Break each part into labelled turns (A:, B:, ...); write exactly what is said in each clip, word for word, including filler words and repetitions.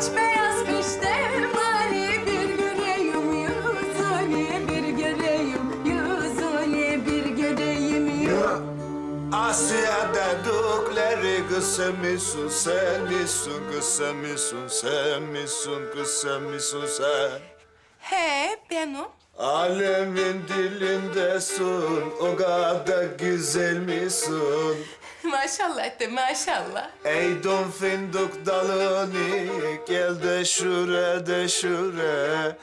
A: Aç beyaz kıştım hani bir göreyim yüzünü, bir göreyim yüzünü, bir göreyim yüzünü.
B: Asya dedikleri kız sen misin, sen misin, kız sen misin, sen misin, kız sen misin sen?
A: He benim.
B: Alemin dilindesin, o kadar güzel misin?
A: Maşallah de maşallah.
B: Eydin fındık dalını, gel de şure de şure.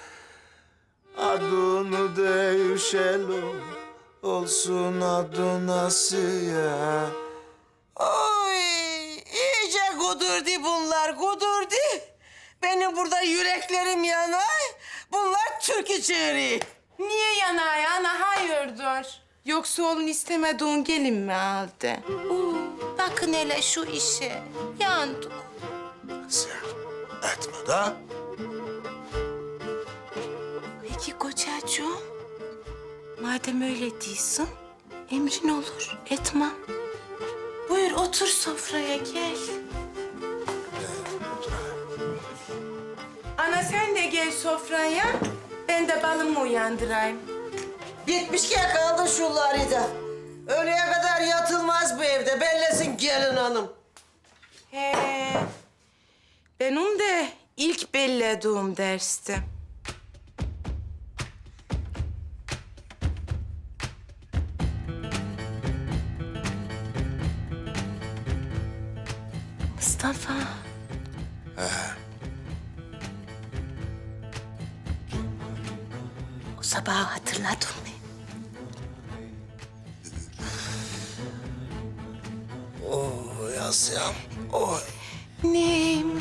B: Adını değişelim, olsun adın Asiye.
C: Oy, iyice kudurdu bunlar, kudurdu. Benim burada yüreklerim yanar. Bunlar türkü çığırıyor.
A: Niye yanay ana hayırdır? Yoksa oğlun istemediğin gelin mi aldı? Oo, bakın hele şu işe. Yandık.
B: Asiye, etme da.
A: Peki kocacığım, madem öyle değilsin, emrin olur, etmem. Buyur otur sofraya gel. Ana sen de gel sofraya, ben de balımı uyandırayım.
C: Bitmiş ki yakaladı şunları da. Öğleye kadar yatılmaz bu evde, bellesin gelin hanım.
A: He, benim de ilk bellediğim dersti. Mustafa. O sabahı hatırladın mı?
B: Oy Asiyem, oy.
A: Neyim?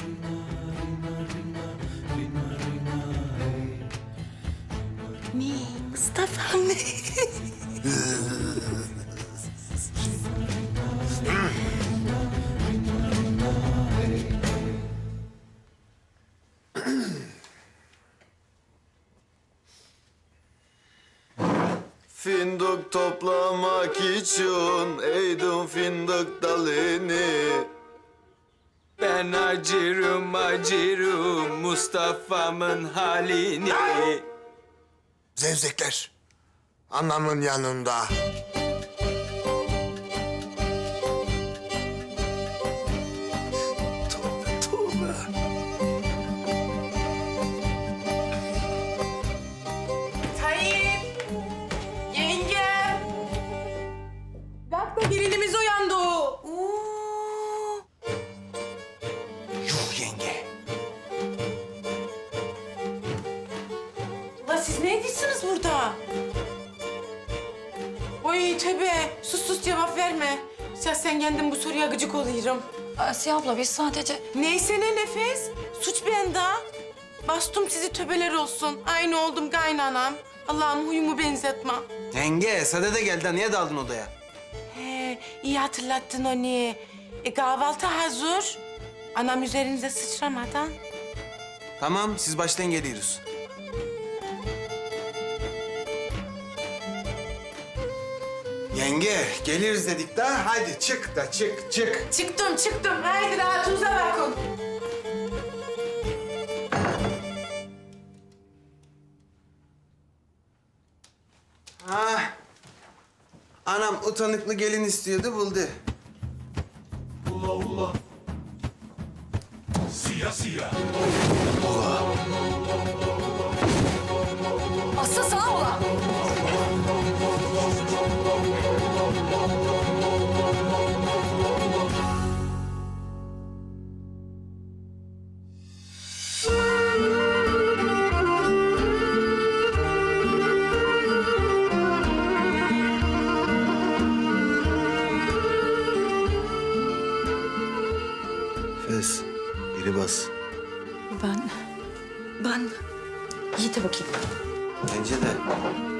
A: Ne? Mustafa mı?
B: Fındık toplamak için eğdim fındık dalını.
D: Ben acırım acırım Mustafa'mın halini.
B: Zevzekler, anamın yanında. Tövbe, tövbe.
A: Tayyip! Yenge! Bak da gelinimiz uyandı. Oo.
D: Yuh yenge.
A: Ulan siz ne ediyorsunuz burada? Oy tövbe, sus sus cevap verme. Ya sen kendin bu soruya gıcık oluyorum.
E: Asiye abla biz sadece...
A: Neyse ne Nefes, suç bende. Bastım sizi töbeler olsun. Aynı oldum kaynanam. Allah'ım huyumu benzetme.
D: Yenge, Sade de geldi. Niye daldın odaya?
A: He, iyi hatırlattın onu. E, kahvaltı hazır. Anam üzerinize sıçramadan.
D: Tamam, siz baştan geliyoruz. Yenge, geliriz dedik daha. Hadi çık da çık, çık.
A: Çıktım çıktım. Haydi rahatınıza bakın.
D: Ha. Anam utanıklı gelin istiyordu, buldu.
E: Aslı sağ ola.
B: Fes, biri bas.
E: Ben... Ben... Yiğit'e bakayım.
D: Bence de.